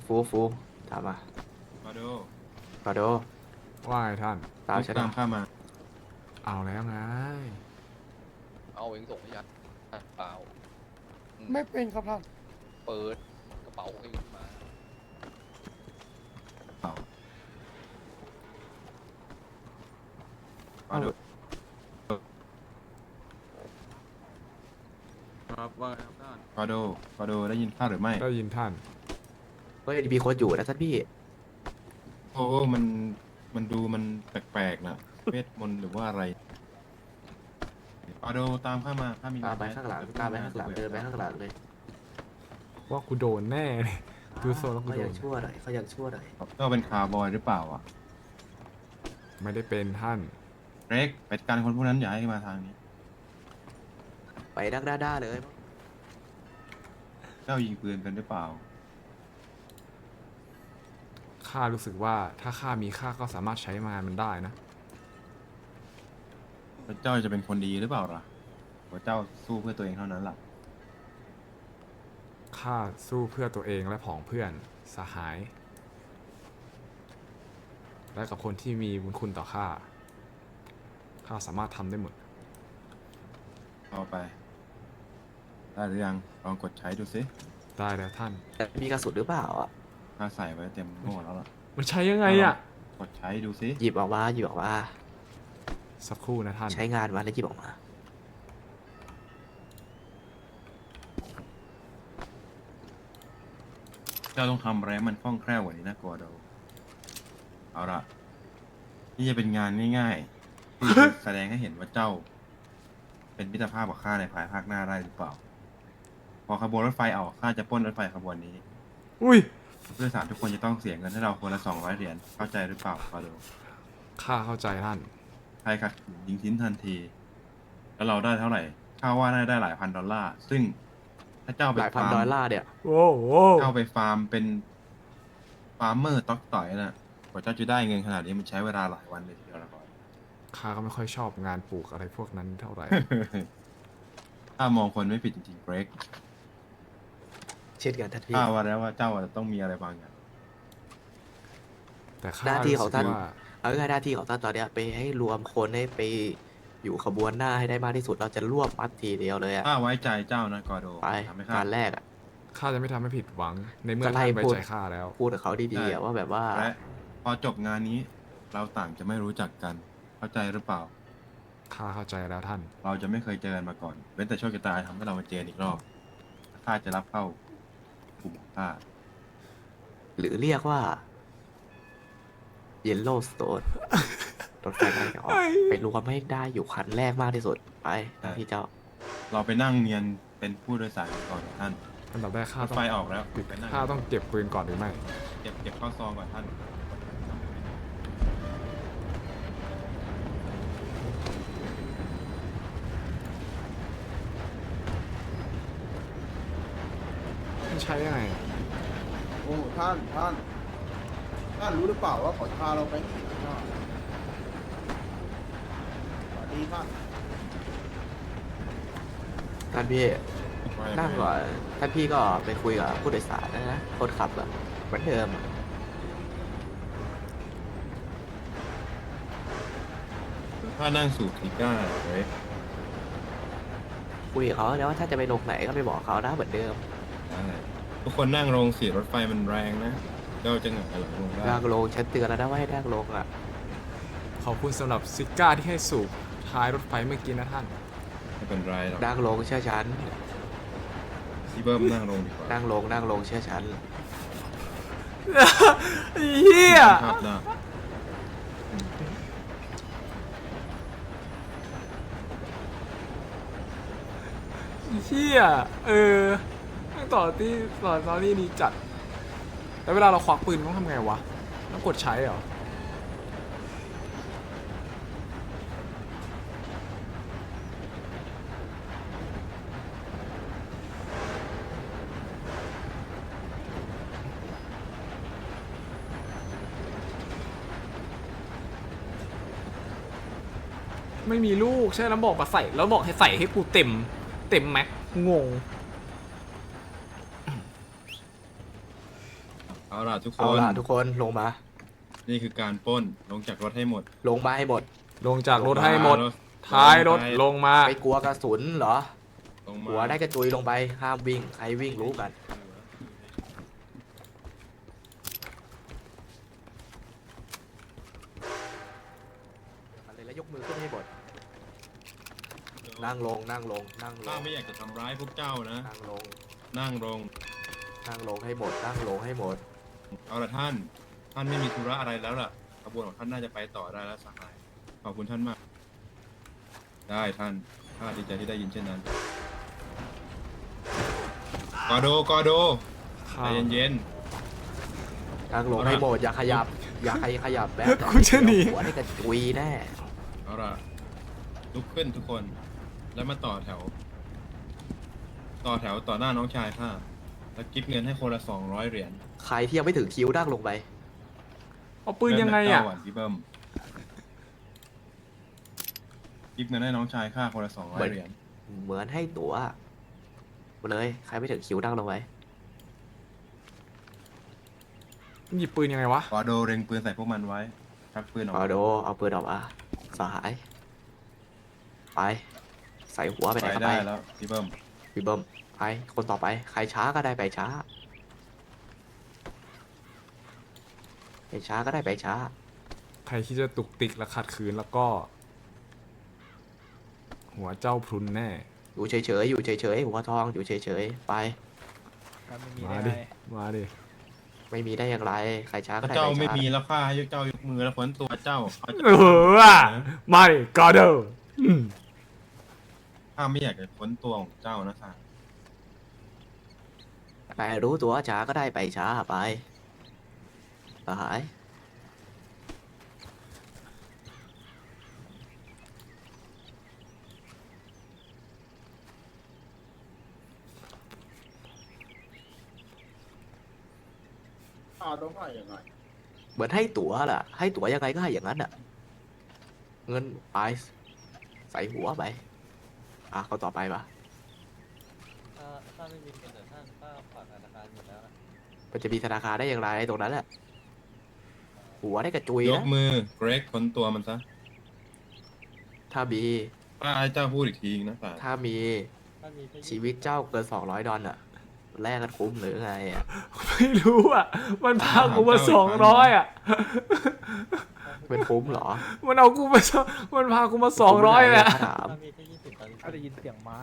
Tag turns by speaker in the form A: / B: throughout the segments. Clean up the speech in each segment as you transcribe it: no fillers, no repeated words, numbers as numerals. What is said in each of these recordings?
A: ฟูถามมา
B: มาดู
A: ขอโด
C: ว่าไงท่าน
A: ตาม
B: ลูก
A: ฉันมา
B: ตามข้ามา
C: เอาแล้วไง
D: เอาเองส่งให้ยัดเปล่า
E: ไม่เป็นครับท่าน
D: เปิดกระเป๋าให้ขึ้นมา
B: เอามาดู
F: ครับว่าไงครับท่าน
B: มาดูได้ยินข้าหรือไม่
C: ได้ยินท่าน
A: เฮ้ยมีคนอยู่นะท่านพี่
B: โอ้มันดูมันแปลกๆนะเวทมนต์หรือว่าอะไรมาดูตามข้ามาข้ามี
A: ตามไปข้างหลังตามไปข้างหลังเดินไปข้างหลังเลย
C: ว่ากูโดนแน่เลยดูโซนแล้วกู
A: เขา
C: โด
A: อยาน กชั่วหน่อยเขาอยากชั่วหน่อย
B: ก็เป็นคาร์บอยหรือเปล่าอ่ะ
C: ไม่ได้เป็นท่าน
B: เร็กไปจัดการคนพวกนั้นอย่าให้มาทางนี้
A: ไปดักด้าเลย
B: เจ้ายิงปืนกันหรือเปล่า
C: ข้ารู้สึกว่าถ้าข้ามีข้าก็สามารถใช้งานมันได้นะ
B: แล้วเจ้าจะเป็นคนดีหรือเปล่าล่ะว่าเจ้าสู้เพื่อตัวเองเท่านั้นล่ะ
C: ข้าสู้เพื่อตัวเองและผองเพื่อนสหาย และกับคนที่มีบุญคุณต่อข้า ข้าสามารถทำได้หมด
B: เอาไป ได้หรือยังลองกดใช้ดูสิ
C: ได้แล้วท่าน
A: แต่มีกระสุนหรือเปล่าอ่ะ
B: ข้าใส่ไว้เต็มหมดแล้วล่ะ
C: มันใช้ยังไงอ่ะ
B: กดใช้ดูสิ
A: หยิบออกมาหยิบออกมา
C: สักครู่นะท่าน
A: ใช้งานมาแล้วหยิบออกมา
B: เจ้าต้องทำอะไรให้มันคล่องแคล่วกว่านี้นะกอโดเอาละนี่จะเป็นงานง่ายๆที่จะแสดงให้เห็นว่าเจ้า เป็นมิตรภาพกับข้าในภายภาคหน้าได้หรือเปล่า พอขบวนรถไฟออกข้าจะปล้นรถไฟขบวนนี้
C: อุ้ย
B: ผู้โดยสารทุกคนจะต้องเสียเงินให้เราคนละ200 เหรียญเข้าใจหรือเปล่ากอโด
C: ข้าเข้าใจท่าน
B: ใครขัดขืนยิงทิ้นทันที แล้วเราได้เท่าไหร่ข้าว่าน่าจะได้หลายพันดอลลาร์ซึ่งถ้าเจ้า
A: ห
B: ไป
A: ลายพัน
B: ฟาร์
A: ดอล
B: ม
A: ลาร์เนี่ย
C: โอ้โห
B: เข้าไปฟาร์มเป็นฟาร์มเมอร์ต๊อกต่อยน่ะกว่าเจ้าจะได้เงินขนาดนี้มันใช้เวลาหลายวันเลยทีเดียวละก่อน
C: ข้าก็ไม่ค่อยชอบงานปลูกอะไรพวกนั้นเท่าไหร่
B: ถ้ามองคนไม่ผิดจริงๆเกรก
A: เช่นกันท่านพี่
B: ข้าว่าแล้วว่าเจ้าอาจจะต้องมีอะไรบางอย่าง
C: แต่ข้า
A: หน้าที่ของท่าน
C: รู้สึกว่า
A: เอาง่ายๆหน้าที่ของท่านตอนเนี้ยไปให้รวมคนให้ไปอยู่ขบวนหน้าให้ได้มากที่สุดเราจะรวบมัดทีเดียวเลยอ่ะ
B: ข้าไว้ใจเจ้านะกอโด
A: ไป
B: ทำให้ข้า
A: การแรกอ่ะ
C: ข้าจะไม่ทำให้ผิดหวัง ในเมื่อ
A: ก็ไล่
C: ท่านไว้
A: พูด
C: ใจข้าแล้ว
A: พูดกับเขาดีๆอะว่าแบบว่า
B: และพอจบงานนี้ เราต่างจะไม่รู้จักกัน เข้าใจหรือเปล่า
C: ข้าเข้าใจแล้วท่าน
B: เราจะไม่เคยเจอกันมาก่อนเว้นแต่โชคชะตาทำให้เรามาเจออีกรอบข้าจะรับเข้ากลุ่มของข้า
A: หรือเรียกว่า Yellowstone รถไฟกำลังจะออกไปรวมให้ได้อยู่คันแรกมากที่สุด ไปหน้าที่เจ้า
B: เราไปนั่งเนียนเป็นผู้โดยสารกันก่อนท่าน
C: อันดับแรกข้าร
B: ถ
C: ต้อง
B: ไฟออกแล้วไปนั่ง
C: ข้าต้องเก็บปืนก่อนหรือไม่
B: เก็บเข้าซองก่อนท่าน
C: มันใช้ยังไงอะ
E: โอ้ท่านรู้หรือเปล่าว่าเขาพาเราไปที่ไหนบ้างสวัสดีท่าน
A: ท่านพี่นั่งก่อนท่านพี่ก็ไปคุยกับผู้โดยสารนะคนขับอะเหมือนเดิมอะ
B: ถ้านั่งสู่ทีก้าเว้ย
A: คุยกับเขาแล้วว่าถ้าจะไปลงไหนก็ไปบอกเขานะเหมือนเดิม
B: ทุกคนนั่งลงสิรถไฟมันแรงนะเจ้าจะหงายหลังลงได้
A: นั่งลงฉันเตือนแล้วนะว่าให้นั่งลงอะ
C: ขอบคุณสำหรับซิก้าที่ให้สูบท้ายรถไฟเมื่อกี้นะท่าน
B: ไม่เป็นไรหรอก
A: นั่งลงเชื่อฉัน
B: พี่เบิ้มนั่งลงดีกว่า
A: นั่งลงเชื่อฉัน
C: เฮีย
B: ภาพหน้า
C: เฮียตั้งต่อที่ตอนนี้นี่จัด แล้วเวลาเราควักปืนต้องทำไงวะ ต้องกดใช้เหรอ ไม่มีลูกใช่แล้วบอกมาใส่แล้วบอกให้ใส่ให้กูเต็มแม็กงง
B: เอาล่ะทุกค
A: เอา
B: น
A: ล่ะทุกคนลงมา
B: นี่คือการปล้นลงจากรถให้หมด
A: ลงมาให้หมด
C: ลงจากรถให้หมด
B: ลง
C: ท้ายรถ
B: ไป
C: ลงมา
A: ไม่กลัวกระสุนเหรอ
B: ลงมา
A: หัวได้กระจุยลงไปห้ามวิ่งใครวิ่งรู้กันอะไรแล้วยกมือขึ้นให้หมดนั่งลงนั่งลงนั่งล
B: ข้าง ไม่อยากจะทำร้ายพวกเจ้านะ
A: นั่งลง
B: นั่งลง
A: นั่งลงให้หมดนั่งลงให้หมด
B: เอาละท่านไม่มีธุระอะไรแล้วล่ะขบวนของท่านน่าจะไปต่อได้แล้วสหายขอบคุณท่านมาก ได้ท่านข้าดีใจที่ได้ยินเช่นนั้นกอโดใจเย็น
A: นั่งลง
B: เอาล่ะ
A: ให้หมดอย่าขยับ อย่าใครขยับแบบ
C: กูจะหนี
A: หัวได้กระจุยแน่
B: ๆเอาล่ะลุกขึ้นทุกคน แล้วมาต่อแถว ต่อหน้าน้องชายข้าแล้วกิฟเงินให้คนละ200 เหรียญ
A: ใครที่ยังไม่ถึงคิวนั่งลงไป
C: เอาปืนยังไงอ่ะ
B: เริ่มจากเจ้าก่อนพี่เบิ้มกิฟเงินให้น้องชายข้าคนละ200 เหรียญ
A: เหมือนให้ตั๋วมาเลยใครไม่ถึงคิวนั่งลงไป
C: หยิบปืนยังไงวะ
B: กอโดเล็งปืนใส่พวกมันไว้ชักปืนออก
A: เอา
B: มา
A: โดเอาปืนออกมาสหายไปใส่หัวไปไหนก็
B: ได้
A: ไป
B: แล้วพี่เบิ้ม
A: พี่เบิ้มไปคนต่อไปใครช้าก็ได้ไปช้าไปช้าก็ได้ไปช้า
C: ใครที่จะตุกติกและขัดขืนแล้วก็ หัวเจ้าพรุนแน่
A: อยู่เฉยๆอยู่เฉยๆหัวทองอยู่เฉยๆไป
C: มาดิ มาดิ
A: ไม่มีได้อย่างไรใครช้าก็
B: ถ้า
A: ได้
B: เจ้า
A: ไป
B: ไม่
A: ช้า
B: มีแล้วข้าให้เจ้ายกมือแล้วพ้นตัวเจ้าเขาจะ
C: เออว่ะมาดิกอเดอร์
B: ข้าไม่อยากจะพ้นตัวของเจ้านะค่ะ
A: แต่รู้ตัวช้าก็ได้ไปช้าไปสหาย
E: ต้องให้ยังไง
A: เหมือนให้ตั๋วแหละให้ตั๋วยังไงก็ให้อย่างนั้นอ่ะเงินไปใส่หัวไปเขาต่อไปปะ
F: ถ้าไม่มีเงินแต่ท่านก็ฝากธนาคารอยู่แล้ว
A: มันจะมีธนาคารได้อย่างไรตรงนั้นแหละหัวได้กระจุย
B: ย
A: นะ
B: กมือเกรกพ้นตัวมันซะ
A: ถ้ามี
B: ข้าให้เจ้าพูดอีกทีนะค่ะ
A: ถ้ามี
F: ถ้ามีแค่
A: ชีวิตเจ้าเกิน200 ดอลลาร์อ่ะแลกกันคุ้มหรือไงอ่ะ
C: ไม่รู้อ่ะ มันพากูมา200อ่ะ
A: เป็นคุ้มเหรอ
C: มันเอากูมามันพากูมา200แหละ
A: ถาม
F: ถ้ามีแค่20 ตอนนี้
G: ข้าได้ยินเสียงม้า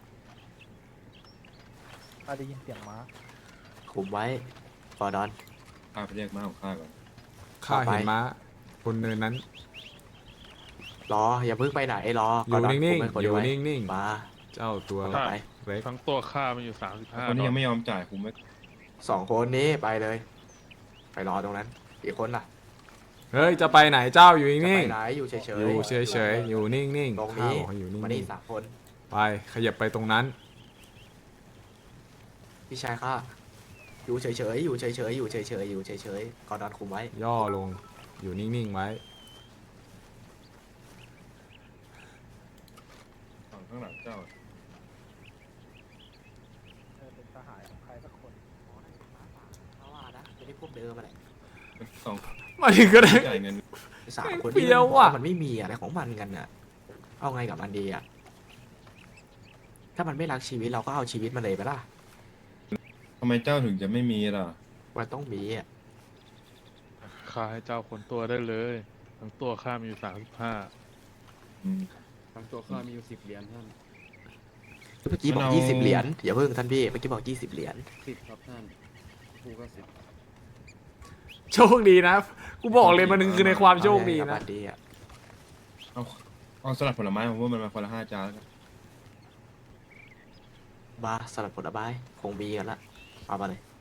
G: ข้าได้ยินเสียงม้า
A: คุ้มไว้ฟอร์ดอน
B: ข้าไปเรียกม้าของข้าก่อน
C: ข้าเห็นม้าบนเนินนั้น
A: รออย่าเพิ่งไปไหนรอ
C: อยู่นิ่ง
A: คุมไว้คน
C: ๆ อยู่
A: ไว้
C: นิ่ง
A: มา
C: ๆ เจ้าตัว
A: ต่อไป
C: เล็ก
H: ทั้งตัวค่ามันอยู่35
B: คนนี้ยังไม่ยอมจ่ายคุมไว้
A: 2 คนนี้ไปเลย ไปรอตรงนั้นอีกคนล่ะ
C: เฮ้ย จะไปไหนเจ้าอยู่
A: จะ
C: นิ่ง
A: ไปไหนอยู่เฉย
C: ๆ
A: ๆ
C: อยู่เฉยๆ อยู่นิ่ง
A: ตรง
C: ๆ
A: นี้
C: ข้าวอยู่นิ่
A: มานี่
C: ง
A: 3 คน
C: ๆ ไป ขยับไปตรงนั้น
A: พี่ชายข้าอยู่เฉยๆอยู่เฉยๆอยู่เฉยๆอยู่เฉยๆกอร์ดอนคุมไว้
C: ย่อลง อยู่นิ่งๆ ไว้
B: ฝั่งข้างหลังเจ้า
G: เป็นทหารของใครสักคน
A: เพราะว่านะจะได้พวกเดิมมาแหละ
B: สอง
C: มาถึงก็ได้
B: จ่ายเงิน
A: 3 คน
C: เปรี้
A: ที่
C: ยว
A: มันบอก
C: ว่ะ
A: ว่ามันไม่มีอะไรของมันกันน่ะ เอาไงกับมันดีอ่ะ ถ้ามันไม่รักชีวิตเราก็เอาชีวิตมันเลยไปล่ะ
B: ทำไมเจ้าถึงจะไม่มีล่ะ
A: มันต้องมีอ่ะ
H: ค่าให้เจ้าคนตัวได้เลย ทั้งตัวค่ามีอยู่
B: อืม
I: ทั้งตัวข้ามีอยู่10 เหรียญท่าน
A: เมื่อกี้บอก
B: เรา
A: 20 เหรียญอย่าเพิ่งท่านพี่เมื่อกี้บอก20 เหรียญ
I: 10 ครับท่านกูก็10
C: โชคดีนะ กูบอกเลยมันคือในความโชคดี
A: เอาไงกับ
C: นะ
A: มันดีอ่ะ
B: เอาสลัดผลไม้ผมว่ามันมาคนละ5 จานแล้วกัน
A: มาสลัดผลไม้คงมีกันละเอามาเลย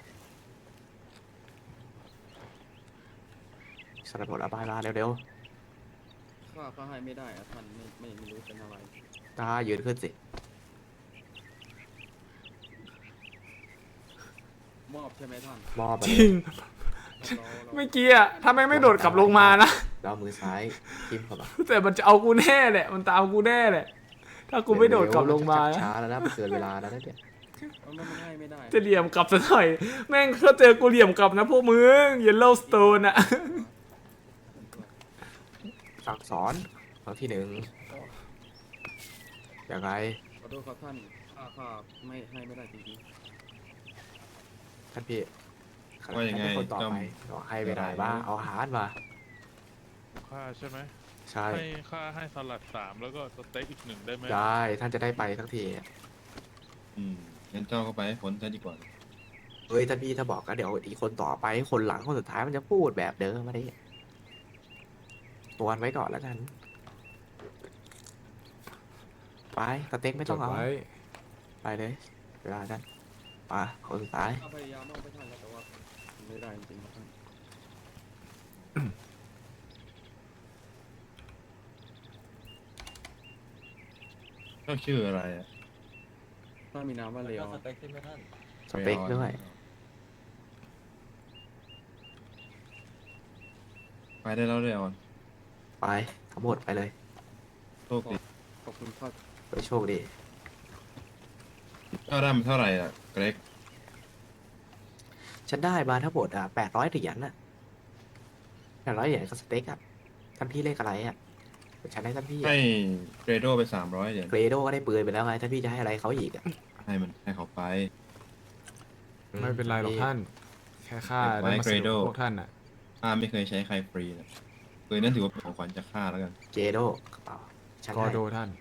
A: สลัดผลไม้มาเร็ว
I: ข้าก็ให้ไม่ได้อะท่านไม่รู้เป็นอะไร
A: ๆตายืนขึ้นสิ
I: มอบใช่ไหมท่าน
A: มอบมา
C: จ
A: เล
C: ริ
A: ย
C: ง
I: เรา
C: เมื่อกี้อะถ้าแม่งไม่โดดกลับลงมานะ
A: แล้วมือซ้ายทิมเข้ามา
C: แต่มันจะเอากูแน่แหละ มันตามกูแน่แหละ ถ้ากูไม่โดดกลับลงมา
A: ชั
C: นะ
A: ช้าแล้วนะมันเกินเวลาแล้วนะเนี่ย
I: มันให้ไม่ได้
C: จะเหลี่ยมกลับซะหน่อย แม่งถ้าเจอกูเหลี่ยมกลับนะพวกมึงเยลโล่สโตนอะ
A: สั่งสอนครั้งที่หนึ่งยังไง
I: ขอโทษครับท่านข้าไม่ให้ไม่ได้จริง
A: ท่านพี่
B: ว่ายังไง
A: ท่นเป็นคนต่อไป
B: จำ
A: บอกให้ไปไหนบ้างเอาอาหารมา
H: ค่าใช่ไหม
A: ใช่
H: ให้ค่าให้สลัด3แล้วก็สเต็กอีก1ได้ไหม
A: ได้ท่านจะได้ไปทั้งที
B: งั้นเจ้าก็ไปให้พ้นซะดีกว่า
A: เฮ้ยท่านพี่ถ้าบอกก็เดี๋ยวอีกคนต่อไปคนหลังคนสุดท้ายมันจะพูดแบบเดิมมาดิตัวไว้ก่อนแล้วกัน ไปสเต็กไม่
C: จ
A: ต้อ
C: ด
A: งเอา
C: ไว้
A: ไปเลยเวลานั้นมาคนสุดท้าย
I: ๆข้าพยายามมากไปท่านแล้วแต่ว่าไม่ได้จริงๆครับท่าน
B: เจ้าชื่ออะไรอ่ะ
I: ถ้ามีนามว่าเล
F: แล้ว
I: ว
F: ก็สเต็กใช่ไหมท่าน
A: สเต็กด้วย
B: ไปได้แล้วเลยออน
A: ไปทั้งหมดไปเลย
B: โชคดี
I: ขอบคุณครับ
A: ไปโชคดี
B: เจ้าได้มาเท่าไหร่อ่ะเกรก
A: ฉันได้มาทั้งหมด800 เหรียญน่ะ800 เหรียญกับสเต็กอ่ะท่านพี่เลขอะไรอ่ะเดี๋ยวฉันให้ท่านพี่
B: ให้เกรโดไป300 เหรียญ
A: เกรโดก็ได้ปืนไปแล้วไงท่านพี่จะให้อะไรเขาอีกอ่ะ
B: ให้เขาไป
C: ไม่เป็นไรหรอกท่าน แค่ค่า
B: ไว้
C: ได้มาสนุก
B: Grado
C: พวกท่านอะ
B: ข้าไม่เคยใช้ใครฟรีนะปืนนั่นถือว่าเป็นของขวัญจากข้าแล้วกัน
A: เกโดกระเป๋าฉัน
C: กอ
A: ให้
C: โดท่าน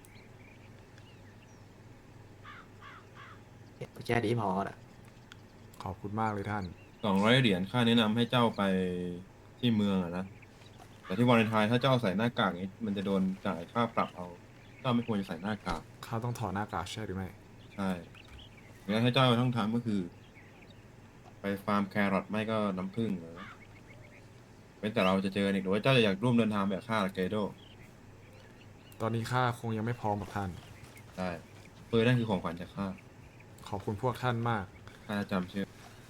A: แค่นี้พอน่ะ
C: ขอบคุณมากเลยท่าน
B: 200 เหรียญข้าแนะนำให้เจ้าไปที่เมืองอะนะ แต่ที่วาเลนไทน์ถ้าเจ้าใส่หน้ากากนี้มันจะโดนจ่ายค่าปรับเอา เจ้าไม่ควรจะใส่หน้ากาก
C: ข้าต้องถอดหน้ากากใช่หรือไม่
B: ใช่งั้นให้เจ้าต้องทำก็คือ ไปฟาร์มแครอทไม่ก็น้ำผึ้งนะเว้นแต่เราจะเจออีกหรือว่าเจ้าจะอยากร่วมเดินทางแบบข้าหรือเกโด
C: ตอนนี้ข้าคงยังไม่พร้อมกับท่าน
B: ได้ปืนนั่นคือของขวัญจากข้า
C: ขอบคุณพวกท่านมาก
B: ข้าจะจำชื่อ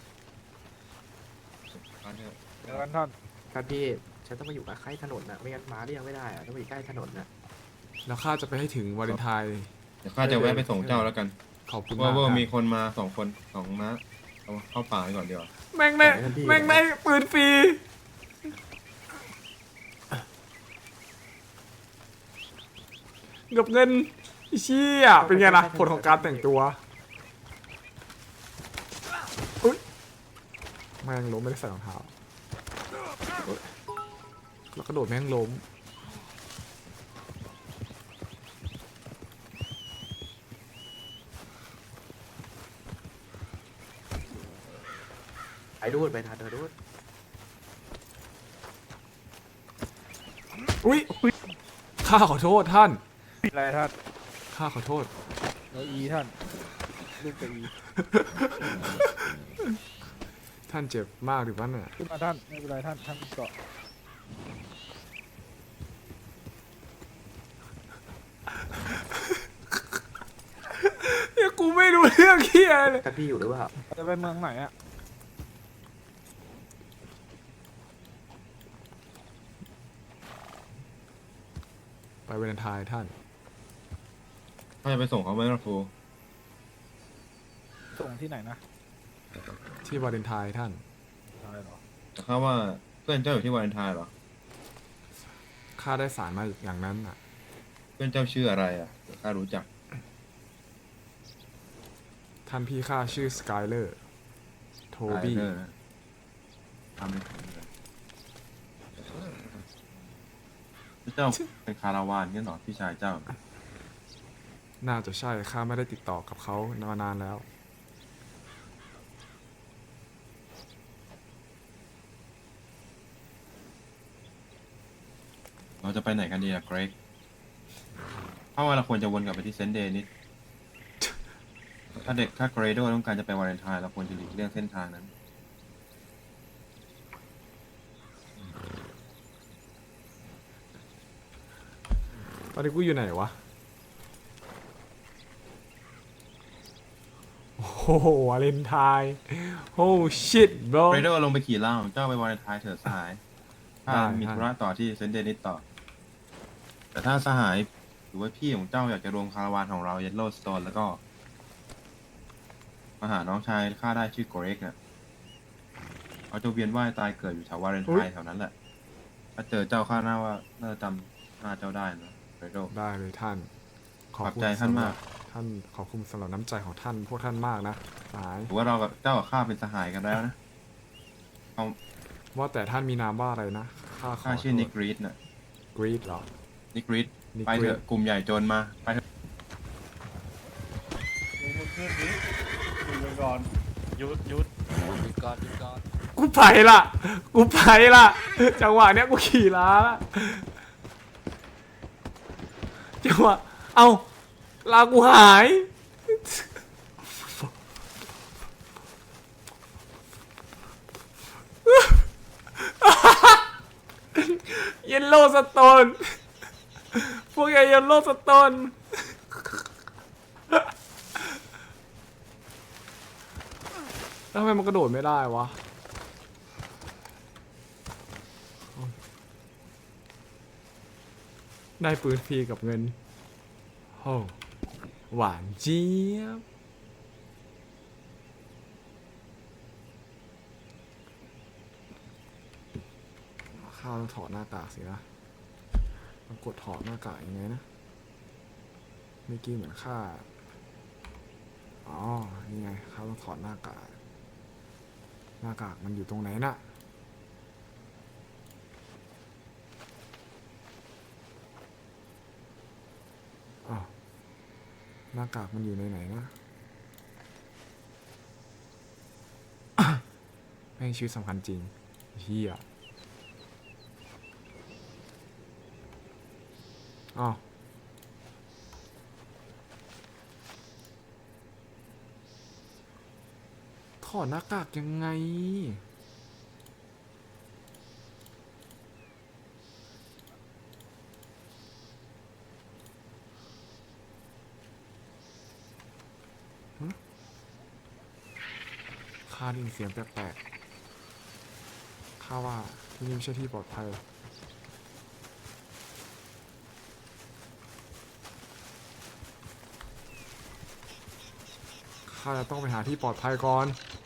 B: ข้าเนี่ย
G: เดี๋ยวกันท่าน
A: ท่านพี่ฉันต้องมาอยู่กับใกล้ถนนน่ะไม่งั้นมาเรียกไม่ได้อ่ะต้องมาอยู่ใกล้ถนนน่ะ
C: แล้วข้าจะไปให้ถึงวาเลนไทน์
B: เดี๋ยวข้าจะแวะไปส่งเจ้าแล้วกัน
C: ขอบคุณ
B: ว่าม
C: าก
B: ว่า
C: ท่าน
B: มีคนมา2 คน2 ม้าเอาเข้าป่าไปก่อนดีกว่า
C: แม่งได้แม่งได้ปืนฟรี กับเงินไอ้เชี่ยเป็นไงล่ะผลของการแต่งตัวอุ๊ยแม่งล้มไม่ได้ใส่รองเท้าแล้วกระโดดแม่งล้ม
A: ไปดูดไปทานเธอดูด
C: อุ๊ยข้าขอโทษท่าน
G: อะไรท่าน
C: ข้าขอโทษ
G: แล้วอีท่านลูกกับอี
C: ท่านเจ็บมากหรือวะเนี่ย
G: ขึ้นมาท่านไม่เป็นไรท่านท่านเกาะ
C: เนี่ยกูไม่รู้เรื่องเฮียเลย
A: ท่านพี่อยู่หรือเปล่า
G: จะไปเมืองไหนอะ
C: ไปวาเลนไทน์ท่าน
B: ข้าจะไปส่งเขาไหมครับครู
G: ส่งที่ไหนนะ
C: ที่วาเลนไทน์ท่าน
G: อะไรหรอ
B: แต่ข้าว่าเพื่อนเจ้าอยู่ที่วาเลนไทน์เหรอ
C: ข้าได้สารมาอย่างนั้นอ่ะ
B: เพื่อนเจ้าชื่ออะไรอ่ะเดี๋ยวข้ารู้จัก
C: ท่านพี่ข้าชื่อสกายเลอร์ โทบี้
B: ไทเลอร์นะทำไม่ถูกเลยเจ้าเป็นคาราวานงั้นเหรอพี่ชายเจ้า
C: น่าจะใช่ ข้าไม่ได้ติดต่อกับเขามานานแล้ว
B: เราจะไปไหนกันดีล่ะเกรกเพราะว่าเราควรจะวนกลับไปที่เซนต์เดนิสถ้าเกรโดต้องการจะไปวาเลนไทน์เราควรจะหลีกเลี่ยงเส้นทางนั้น
C: ตอนนี้กูอยู่ไหนวะ โอ้โหวาเลนไทน์โอ้ชิตบร
B: เกรโดลงไปขี่ล่างเจ้าไปวาเลนไทน์เถิดสหายถ้า
C: ได้
B: มี
C: ได้
B: ธุระต่อที่เซนต์เดนิสต่อ แต่ถ้าสหายหรือว่าพี่ของเจ้าอยากจะรวมคาราวานของเราเยลโลสโตนแล้วก็มาหาน้องชายข้าได้ชื่อโกเร็กเนี่ยเขาจะเวียนว่ายตายเกิดอยู่แถววาเลนไทน์แถวนั้นแหละ ถ้าเจอเจ้าข้าน่าว่าน่าจะจำหน้าเจ้าได้นะเรโด
C: ได้เลยท่าน
B: ขอบใจท่านมาก
C: ท่านขอบคุณสำหรับน้ำใจของท่านพวกท่านมากนะสหาย
B: ถือว่าเรากับเจ้ากับข้าเป็นสหายกันแล้วนะ
C: ว่าแต่ท่านมีนามว่าอะไรนะข้าขอ
B: ข้าชื่อนิกรีดน่ะ
C: กรีดเหรอ
B: นิกรีด
C: นิก
B: ไป
C: รี
B: เถ
C: ด
B: อะกลุ่มใหญ่โจรมาไปเถอะ
H: หยุด
D: หยุดก่อนหยุดก่อน
C: กูไปละกูไปละจังหวะเนี้ยกูขี่ล้าละจังหวะเอ้าลากูหายเยลโล่สโตนพวกแกเยลโล่สโตนแล้วทำไมมันกระโดดไม่ได้วะได้ปืนฟรีกับเงินโอ้หวานเจี๊ยบข้าวต้องถอดหน้ากากสินะมันกดถอดหน้ากากยังไงนะเมื่อกี้เหมือนข้าอ๋อนี่ไงข้าวต้องถอดหน้ากากหน้ากากมันอยู่ตรงไหนน่ะอ้าวหน้ากากมันอยู่ในไหนนะแม่งชีวิตสำคัญจริงเฮียอ้าวถอดหน้ากากยังไงข้าได้ยินเสียงแปลกๆข้าว่าที่นี่ไม่ใช่ที่ปลอดภัยข้าจะต้องไปหาที่ปลอดภัยก่อน